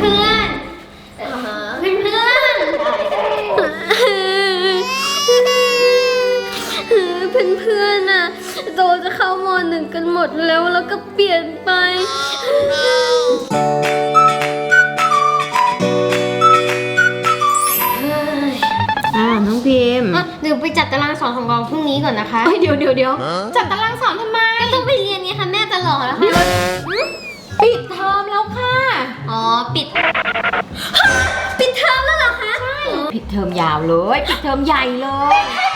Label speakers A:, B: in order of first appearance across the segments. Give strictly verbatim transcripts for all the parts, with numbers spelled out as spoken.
A: เพื่อนเพื่อนเพื่อนเพื่อนเพื่อนอะโตจะเข้ามหนึ่งกันหมดแล้วแล้วก็เปลี่ยนไป
B: อ่าน้องพิมพ์
A: เดี๋ยวไปจัดตารางสอนของเราพรุ่งนี้ก่อนนะคะ
B: เดี๋ยวเดี๋ยวเดี๋ยวจัดตารางสอนทำไม
A: ก็ต้องไปเรียนไงคะแม่จะหล่อแล้วค่ะ
B: ปิดเทอมแล้วค่ะ
A: อ๋อปิดปิดเทอมแล้วเหรอคะใช่
B: ปิดเทอมยาวเลยปิดเทอมใหญ่เลย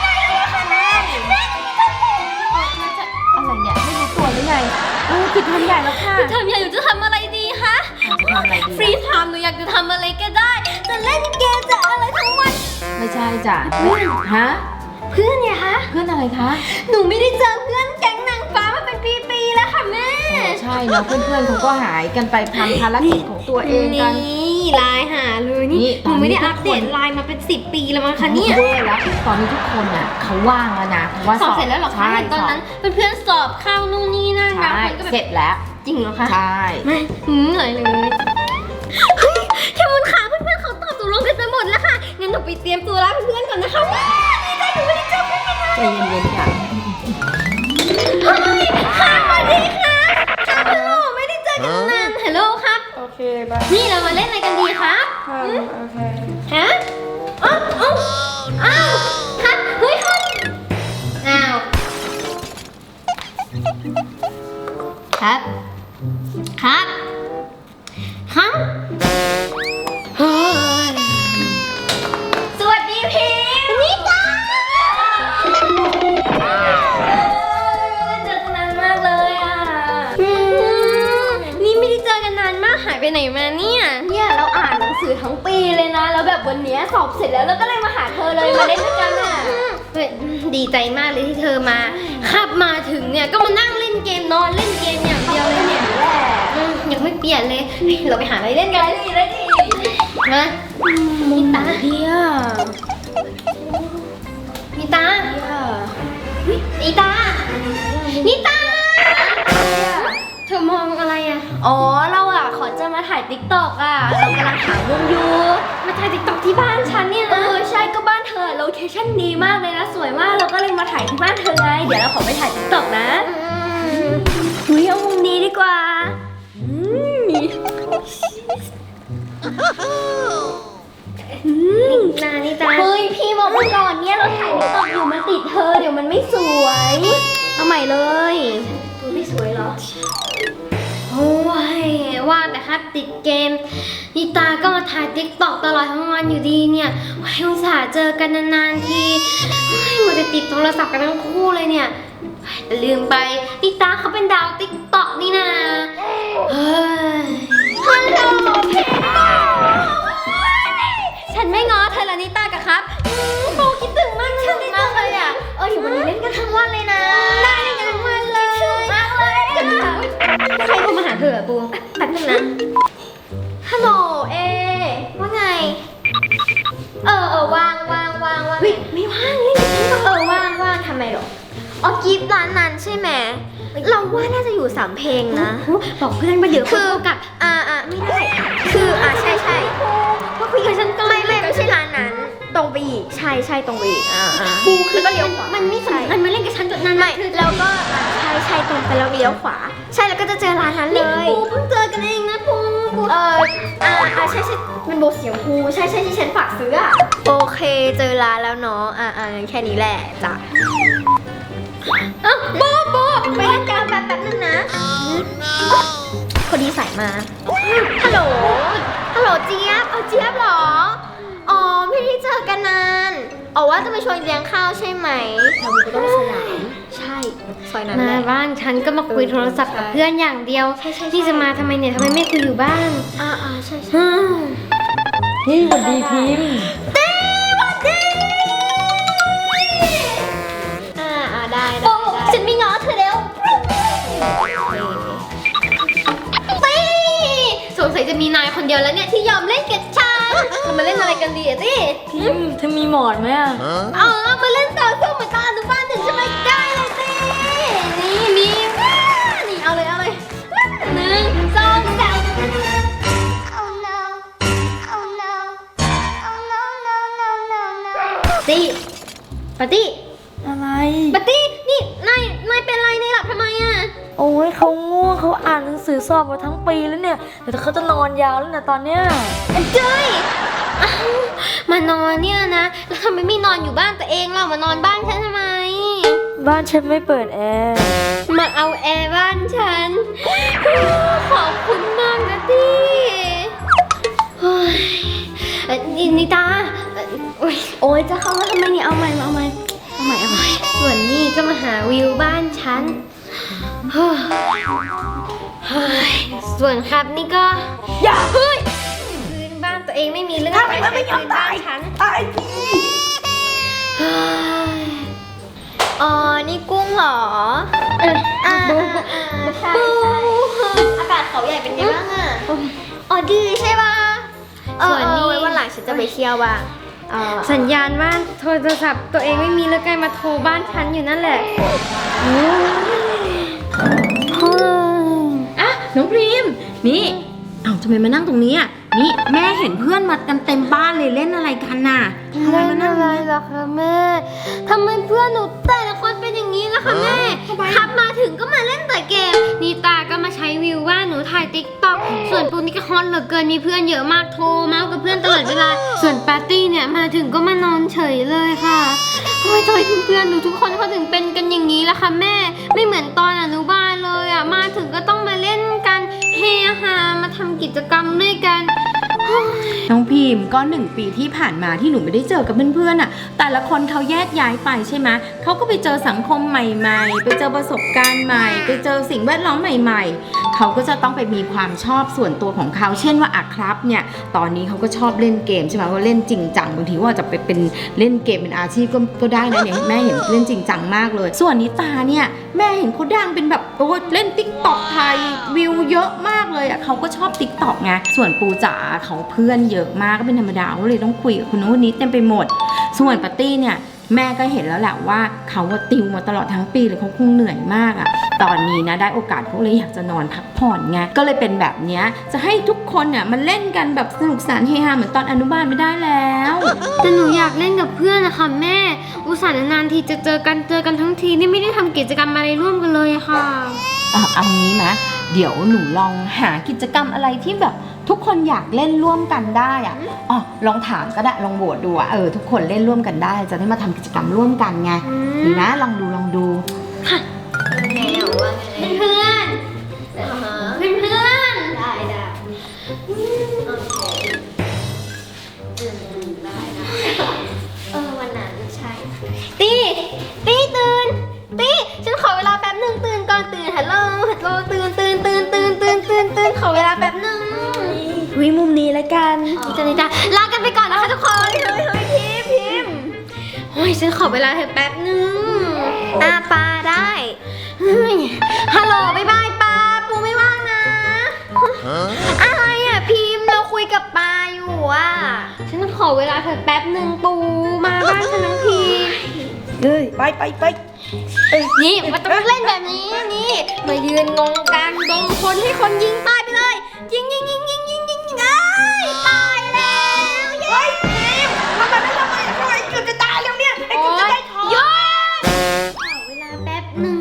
B: อะไรเนี่ยไม่รู้ตัวหรือไงเออปิดเทอมใหญ่แล้วค่ะ
A: ปิดเทอมใหญ่หนูจะทำอะไรดีคะ
B: จะทำอะไรดี
A: ฟรีไทม์หนูอยากจะทำอะไรก็ได้จะเล่นเกมจะอะไรทั้งวัน
B: ไม่ใช่จ้ะเพื่อนฮะ
A: เพื่อนเนี่ยคะ
B: เพื่อนอะไรคะ
A: หนูไม่ได้เจอเพื่อนแก๊งนางฟ้ามาเป็นปีๆแล้วค่ะแม่
B: ใช่เนาะเพื่อนๆเขาก็หายกันไปทำภารกิจของตัวเองกัน
A: นี่ไลน์หาเลยนี่หนูไม่ได้อัปเดตไลน์มาเป็นสิบปีแล้วมั้งคะเนี่ย
B: เว้ยแล้วตอนนี้ทุกคนอ่ะเขาว่างแล้วนะ
A: ว่าสอบเสร็จแล้วหรอคะตอนนั้นเพื่อนๆสอบเข้านู่นนี่นั่น
B: นะเสร็จแล้ว
A: จริงเหรอคะ
B: ใช่
A: ไม่เหนื่อยเลยเฮ้ยแค่มุนขาเพื่อนๆเขาตอบตกลงกันไปหมดแล้วค่ะงั้นหนูไปเตรียมตัวรับเพื่อนๆก่อนนะคะดีใจหนูไม่ได้เจอเพื่อนกัน
B: ใจเย็นๆค่ะ
A: เฮ้ยค่ะสวัสดีค่ะค่ะฮัลโหลไม่ได้เจอกันนานฮัลโหลครับ
B: โอเคบาย
A: นี่เรามาเล่นอะไรกันดีครับ
B: โอเค
A: ฮะอ้าวอ้าวอ้าวครับเฮ้ยครับอ้าวครับครับครับเฮ้ยสวัสดีพิมพ์นี่จ้าเจอกันนานมากเลยอ่ะนี่ไม่ได้เจอกันนานมากหายไปไหนมาเนี่ยเนี่ยเราอ่านหนังสือทั้งปีเลยนะแล้วแบบวันนี้สอบเสร็จแล้วเราก็เลยมาหาเธอเลยมาเล่นด้วยกันอ่ะดีใจมากเลยที่เธอมาขับมาถึงเนี่ยก็มานั่งเล่นเกมนอนเล่นเกมอย่างเดียวเลยเนี่ยแหละยังไม่เปลี่ยนเลยเราไปหาอะไรเล่นกันเลยดิเลยดินะมีตา
B: เดีย
A: มีตาอีตานี่ตาเธอมองอะไรอ่ะอ๋อเราอ่ะขอจะมาถ่ายติ๊กต็อกอ่ะเรากำลังหาวงอยู่มาถ่ายติ๊กต็อกที่บ้านฉันเนี่ยนะเออใช่ก็บ้านเธอโลเคชั่นดีมากเลยนะสวยมากเราก็เลยมาถ่ายที่บ้านเธอไงเดี๋ยวเราขอไปถ่ายติ๊กต็อกนะอุ้ยเอามุมนี้ดีกว่านานี่จ้าเฮ้ยพี่บอกมาก่อนเนี่ยเราถ่ายติ๊กต็อกอยู่มันติดเธอเดี๋ยวมันไม่สวยเอาใหม่เลยตัวไม่สวยหรอโอ้ยว่าแต่ถ้าติดเกมนิตาก็มาถ่ายติ๊กต็อกตลอดทั้งวันอยู่ดีเนี่ยอุตส่าห์เจอกันนานๆทีมันจะติดโทรศัพท์กันทั้งคู่เลยเนี่ยแต่ลืมไปนิตาเขาเป็นดาวติ๊กต็อกนี่นะเฮ้ยฮัลโหลเพชรฉันไม่ง้อเธอแล้วนิตากับครับโบคิดถึงมากฉันมากเลยอ่ะเอออยู่วันนี้เล่นกันทั้งวันเลยนะได้เล่นกันทั้งวันเลยคิดถึงมากเลยใครโทรมาหาเธอบูแป๊บนึงนะฮัลโหลเอว่าไงเออเออว่างว่างว่างว่างไม่ว่างเล่นกับฉันก็เออว่างว่างทำไมหรออ๋อกิฟต์ร้านนั้นใช่ไหมเราว่าน่าจะอยู่สามเพลงนะบอกเพื่อนมาเดี๋ยวคือกับอ่าอ่าไม่ได้คืออ่าใช่ใช่ก็คุยกับฉันก่อนไม่ไม่ไม่ใช่ร้านนั้นตรงไปอีกใช่ใช่ตรงไปอีกอ่าอ่าปูแล้วก็เลี้ยวขวามันไม่สำคัญมาเล่นกับฉันจนนั้นไม่แล้วก็ใช่ใช่ตรงไปแล้วเลี้ยวขวาใช่แล้วก็จะเจอร้านนั้นเลยปูเพิ่งเจอกันเองนะปูเอออ่าอ่าใช่ใช่มันโบเสียงปูใช่ใช่ที่ฉันฝากซื้ออ่ะโอเคเจอร้านแล้วเนาะอ่าอ่าแค่นี้แหละจ้ะอ้าวโบโบไปเล่นกันแป๊บแป๊บนึงนะพอดีสายมาฮัลโหลฮัลโหลเจี๊ยบเอาเจี๊ยบเหรออ๋อไม่ได้เจอกันนานอ๋อว่าจะไปชวนเลี้ยงข้าวใช่ไหมเราก็ต้องสยามใช่ซอยนั้นแหละมาบ้านฉันก็มาคุยโทรศัพท์กับเพื่อนอย่างเดียวที่จะมาทำไมเนี่ยทำไมไม่คุยอยู่บ้านอ่าอ่าใช่ใช่
B: นี่สวัสดีพิมพ์
A: ตีสวัสดีอ่าอ่าได้ได้ฉันไม่ง้อเธอแล้วตีสงสัยจะมีนายคนเดียวแล้วเนี่ยที่ยอมเล่นกับฉันเรามาเล่นอะไรกันดีอะตี
B: พิมพ์เธอมีหมอนไหมอ่ะ
A: อ๋อมาเล่นต่อสู้เหมือนตอนอนุบาลหนึ่งใช่ไหมได้เลยตีนี่มีนี่เอาเลยเอาเลยหนึ่งสองสามตี้ปาร์ตี้
B: อะไร
A: ปาร์ตี้นี่นายนายเป็นไรนายหลับทำไมอ่ะ
B: โอ้ยเขาง่วงเขาอ่านหนังสือสอบมาทั้งปีแล้วเนี่ยเดี๋ยวเขาจะนอนยาวแล้วนะตอนเนี้ย
A: เจ้ยอ้าวมานอนเนี่ยนะแล้วทำไมไม่นอนอยู่บ้านตัวเองล่ะมานอนบ้านฉันทำไม
B: บ้านฉันไม่เปิดแอร์
A: มาเอาแอร์บ้านฉัน ขอบคุณมากนะตี้เฮ้ยเอ่อนินิตาเอ่อโอ๊ยโอ๊ยจะเข้ามาทำไมเนี่ยเอาใหม่เอาใหม่เอาใหม่เอาใหม่ส่วนนี่ก็มาหาวิวบ้านฉันเฮ้ยเฮ้ยส่วนครับนี่ก็อย่าเฮ้ยพื้นบ้านตัวเองไม่มีเรื่องอะไรใช้พื้นบ้านฉัน
B: ตายพี่
A: เฮ้ยอ๋อนี่กุ้งเหรอเอออ่าใช่ใช่อากาศเขาใหญ่เป็นไงบ้างอ่ะอ๋อดีใช่ป่ะส่วนนี้วันหลังฉันจะไปเที่ยวบ้างสัญญาณบ้านโทรศัพท์ตัวเองไม่มีแล้วกลายมาโทรบ้านฉันอยู่นั่นแหละ
C: อ่ะน้องพรีมนี่เอ้าทำไมมานั่งตรงนี้อ่ะนี่แม่เห็นเพื่อนมากันเต็มบ้านเลยเล่นอะไรกันน่ะทำไม
A: เล่
C: มาน นั่ง
A: อะไรล่ะคะแม่ทำไมเพื่อนหนูแต่ละคนเป็นอย่างนี้ล่ะคะแม่ขับมาถึงก็มาเล่นแต่เกมนีตาก็มาใช้วิวว่าหนูถ่ายติ๊กต็อกส่วนปูนี่ก็ฮอตเหลือเกินมีเพื่อนเยอะมากโทรเมาส์กับเพื่อนตลอดเวลาส่วนปาร์ตี้เนี่ยมาถึงก็มานอนเฉยเลยค่ะโอ้ยทำไมเพื่อนๆหนูทุกคนเขาถึงเป็นกันอย่างนี้ล่ะคะแม่ไม่เหมือนตอนอนุบาลเลยอ่ะมาถึงก็ต้องมาเล่นกันเฮฮามาทำกิจกรรมด้วยกัน
C: น้องพิมก็หนึ่งปีที่ผ่านมาที่หนูไม่ได้เจอกับเพื่อนๆอ่ะแต่ละคนเขาแยกย้ายไปใช่ไหมเขาก็ไปเจอสังคมใหม่ๆไปเจอประสบการณ์ใหม่ไปเจอสิ่งแวดล้อมใหม่ๆเขาก็จะต้องไปมีความชอบส่วนตัวของเขาเช่นว่าอ่ะครับเนี่ยตอนนี้เขาก็ชอบเล่นเกมใช่ไหมว่าเล่นจริงจังบางทีว่าจะไปเป็นเล่นเกมเป็นอาชีพก็ก็ได้นะเนี่ยแม่เห็นเล่นจริงจังมากเลยส่วนนิตาเนี่ยแม่เห็นเขาดังเป็นแบบโอ้เล่นติ๊กต็อกไทยวิวเยอะมากเลยอ่ะเขาก็ชอบติ๊กต็อกไงส่วนปูจ๋าเขาเพื่อนเยอะมากก็เป็นธรรมดาก็เลยต้องคุยกับคนนู้นคนนี้เต็มไปหมดส่วนปาร์ตี้เนี่ยแม่ก็เห็นแล้วแหละว่าเขาว่าติวมาตลอดทั้งปีเลยเขาคงเหนื่อยมากอะตอนนี้นะได้โอกาสเขาเลยอยากจะนอนพักผ่อนไงก็เลยเป็นแบบเนี้ยจะให้ทุกคนเนี่ยมันเล่นกันแบบสนุกสนานเฮฮาเหมือนตอนอนุบาลไม่ได้แล้ว
A: แต่หนูอยากเล่นกับเพื่อนนะคะแม่อุตส่าห์นานๆทีจะเจอกันเจอกันทั้งทีนี่ไม่ได้ทำกิจกรรมอะไรร่วมกันเลยอะค่ะ
C: เอาเอางี้ไหมเดี๋ยวหนูลองหากิจกรรมอะไรที่แบบทุกคนอยากเล่นร่วมกันได้อะอ๋อลองถามก็ได้ลองโหวตดูอะเออทุกคนเล่นร่วมกันได้จะได้มาทำกิจกรรมร่วมกันไงดีนะลองดูลองดู
A: แนวว่าไงเพื่อนเพื่อนเพื่อนได้ได้โอเคได้ได้เออวันนั้นใช่ตีตีตื่นตีฉันขอเวลาแป๊บหนึ่งตื่นก่อนตื่นฮัลโหลฮัลโหลตื่นตื่นตื่นตื่นตื่นตื่นตื่นขอเวลาแป๊บหนึ่ง
B: วิมุมนี้แล้วกัน
A: จะนี่จ้ะลากันไปก่อนนะคะทุกคนเฮ้ยเฮ้ยพิมพิมโอ้ยฉันขอเวลาเธอแป๊บหนึงอาปาได้เฮ้ยฮัลโหลบ๊ายบายปาปูไม่ว่างนะอะไรอ่ะพิมเราคุยกับปาอยู่อ่ะฉันขอเวลาเธอแป๊บหนึ่งปูมาบ้านฉันทั้งที
B: เฮ้ยไปไปไป
A: นี่มันต้องเล่นแบบนี้นี่มายืนงงกลางดงคนให้คนยิงตายไปเลยยิงยิงยิงยิงยิงยิงยิงเอ้ยตายแล้วเย้ทำไมไม่ทำไมทำไมเกือบจะตายแล้วเนี่ยไอ้เกือบจะได้ทองหยุดขอเวลาแป๊บหนึ่ง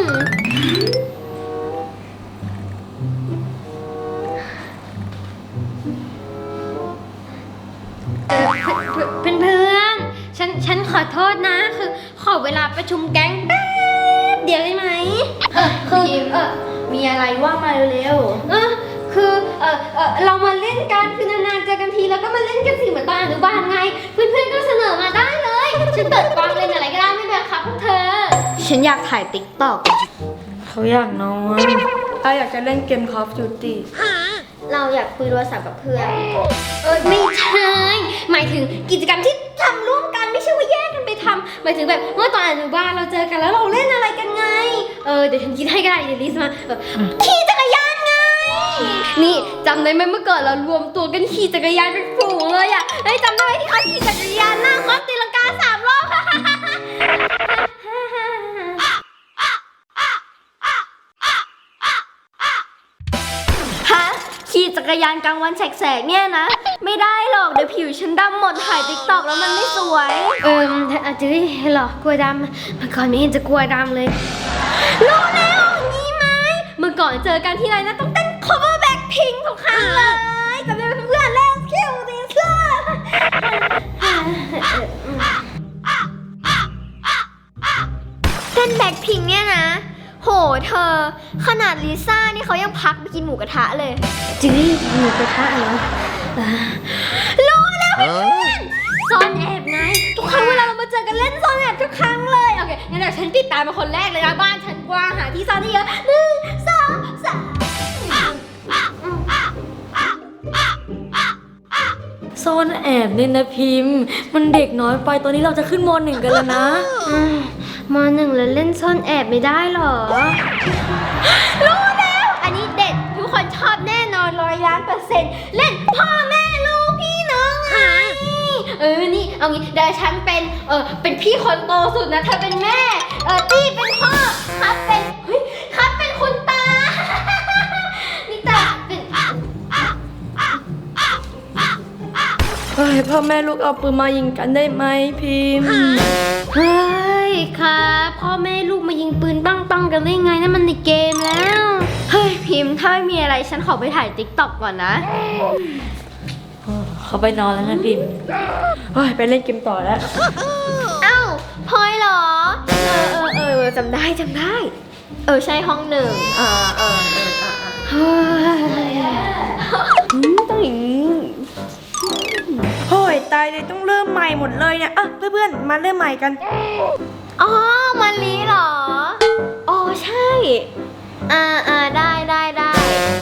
A: เออเพื่อนเพื่อนฉันฉันขอโทษนะคือขอเวลาประชุมแก๊งแป๊บเดียวได้ไหมเออคือเออมีอะไรว่ามาเร็วๆเออคือเออเออเรามาเล่นกันคือนานๆเจอกันทีแล้วก็มาเล่นกันสิเหมือนตอนอนุบาลไงเพื่อนๆก็เสนอมาได้เลยฉันเปิดกล้องเล่นอะไรก็ได้ไม่เป็นไรครับพวกเธอฉันอยากถ่ายติ๊กต็อก
B: เขาอยากนอนเราอยากจะเล่นเกม Call of Duty
A: เราอยากคุยโทรศัพท์กับเพื่อนเออไม่ใช่หมายถึงกิจกรรมที่ทำร่วมกันไม่ใช่ว่าแยกกันไปทำหมายถึงแบบเมื่อตอนอนุบาลเราเจอกันแล้วเราเล่นอะไรกันไงเออเดี๋ยวฉันคิดให้ก็ได้เดี๋ยวลิสต์มาเออขี่จักรยานไงนี่จำได้ไหมเมื่อก่อนเรารวมตัวกันขี่จักรยานเป็นฝูงเลยอ่ะเฮ้ยจำได้ไหมที่เขาขี่จักรยานหน้าคอสตีลังกาสามรอบฮะขี่จักรยานกลางวันแสกๆเนี่ยนะไม่ได้หรอกเดี๋ยวผิวฉันดำหมดถ่ายติ๊กต็อกแล้วมันไม่สวยเอออาจจะหรอกลัวดำเมื่อก่อนไม่เห็นจะกลัวดำเลยรู้แล้วงี้ไหมเมื่อก่อนเจอกันที่ไรนะต้องเต้น cover Blackpink ทุกครั้งเลยจำได้เพื่อนๆแล้วคิวดิเซอร์เต้นแบ็คพิงเนี่ยนะโหเธอขนาดลิซ่านี่เขายังพักไปกินหมูกระทะเลยจื้อหมูกระทะเหรอรู้แล้วเพื่อนซ่อนแอบไงทุกครั้งเวลาเรามาเจอกันเล่นซ่อนแอบทุกครั้งเลยโอเคงั้นเดี๋ยวฉันติดตามมาคนแรกเลยนะบ้านฉันกว้างหาที่ซ่อนได้เยอะหนึ่งสองสาม
B: ซ่อนแอบเนี่ยนะพิมพ์มันเด็กน้อยไปตอนนี้เราจะขึ้นมหนึ่งกันแล้วนะ
A: มหนึ่งแล้วเล่นซ่อนแอบไม่ได้หรอรู้แล้วอันนี้เด็ดทุกคนชอบแน่นอนร้อยล้านเปอร์เซ็นต์เล่นพ่อแม่ลูกพี่น้องไงเออนี่เอางี้เดี๋ยวฉันเป็นเออเป็นพี่คนโตสุดนะเธอเป็นแม่เออตี้เป็นพ่อครับเป็นเฮ้ยครับเป็นคุณตานี่ตาเป็น
B: เฮ้ยพ่อแม่ลูกเอาปืนมายิงกันได้ไหมพิมพ์
A: เฮ้ยครับพ่อแม่ลูกมายิงปืนปังปังกันได้ไงนั่นมันในเกมแล้วเฮ้ยพิมพ์ถ้าไม่มีอะไรฉันขอไปถ่ายติ๊กต็อกก่อนนะ
B: เขาไปนอนแล้วนะพิมพ์เฮ้ยไปเล่นเกมต่อแล้ว
A: เอ้าพลอยเหรอเออเออเออจำได้จำได้เออใช่ห้องหนึ่งเออเออเออเฮ้ยต้องอย่างนี้
B: โอ้ยตายเลยต้องเริ่มใหม่หมดเลยเนี่ยอ่ะเพื่อนๆมาเริ่มใหม่กัน
A: อ๋อมันลีเหรออ๋อใช่อ่าอ่าได้ได้ได้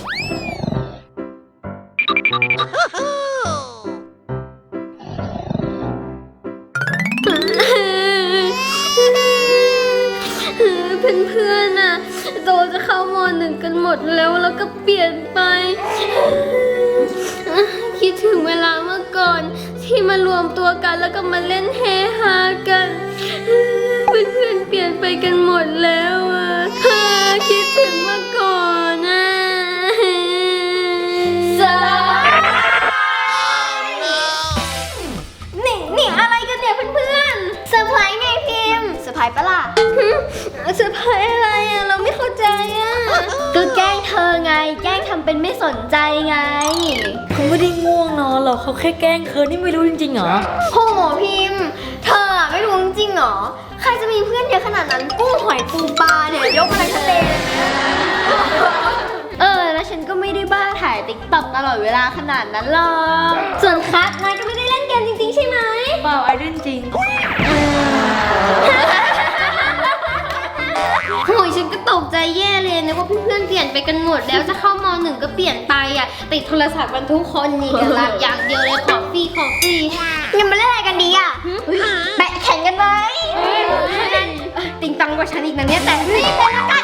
A: เพื่อนๆน่ะโตจะเข้ามหนึ่งกันหมดแล้วแล้วก็เปลี่ยนไปคิดถึงเวลาเมื่อก่อนที่มารวมตัวกันแล้วก็มาเล่นเฮฮากันเพื่อนๆเปลี่ยนไปกันหมดแล้วอ่ะคิดถึงเมื่อก่อนนะสนี่นี่อะไรกันเนี่ยเพื่อนๆเซอร์ไพรส์ไงพิมพ์เซอร์ไพรส์ปะล่ะเซอร์ไพรส์อะไรอ่ะเราไม่เข้าใจอ่ะก็แกล้งเธอไงแกล้งทำเป็นไม่สนใจไง
B: เขาไม่ได้ง่วงนอนหรอกเขาแค่แกล้งเธอนี่ไม่รู้จริงๆเหรอ
A: โหพิมพ์เธอไม่รู้จริงๆเหรอใครจะมีเพื่อนเยอะขนาดนั้นกุ้งหอยปูปลาเนี่ยยกมาทั้งทะเลเออแล้วฉันก็ไม่ได้บ้าถ่ายติ๊กต็อกตลอดเวลาขนาดนั้นหรอกส่วนคัทนายก็ไม่ได้เล่นเกมจริงๆใช่ไหม
B: เปล่าไอเล่นจริง
A: โอ้ยฉันก็ตกใจแย่เลยนะว่าเพื่อนๆเปลี่ยนไปกันหมดแล้วจะเข้ามหนึ่งก็เปลี่ยนไปอ่ะติดโทรศัพท์กันทุกคนนี่กันละอย่างเดียวเลยขอฟรีขอฟรียังมาเล่นอะไรกันดีอ่ะแบะแข่งกันไหมติงตังกว่าฉันอีกนะเนี่ยแต่รีบเลยละกัน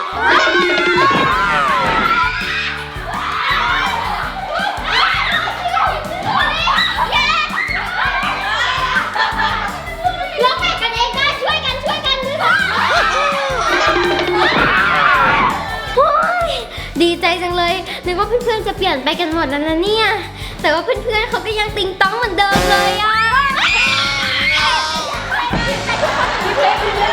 A: ดีใจจังเลยนึกว่าเพื่อนๆจะเปลี่ยนไปกันหมดแล้วนะเนี่ยแต่ว่าเพื่อนๆเขาก็ยังติงต้องเหมือนเดิมเลยอ่ะ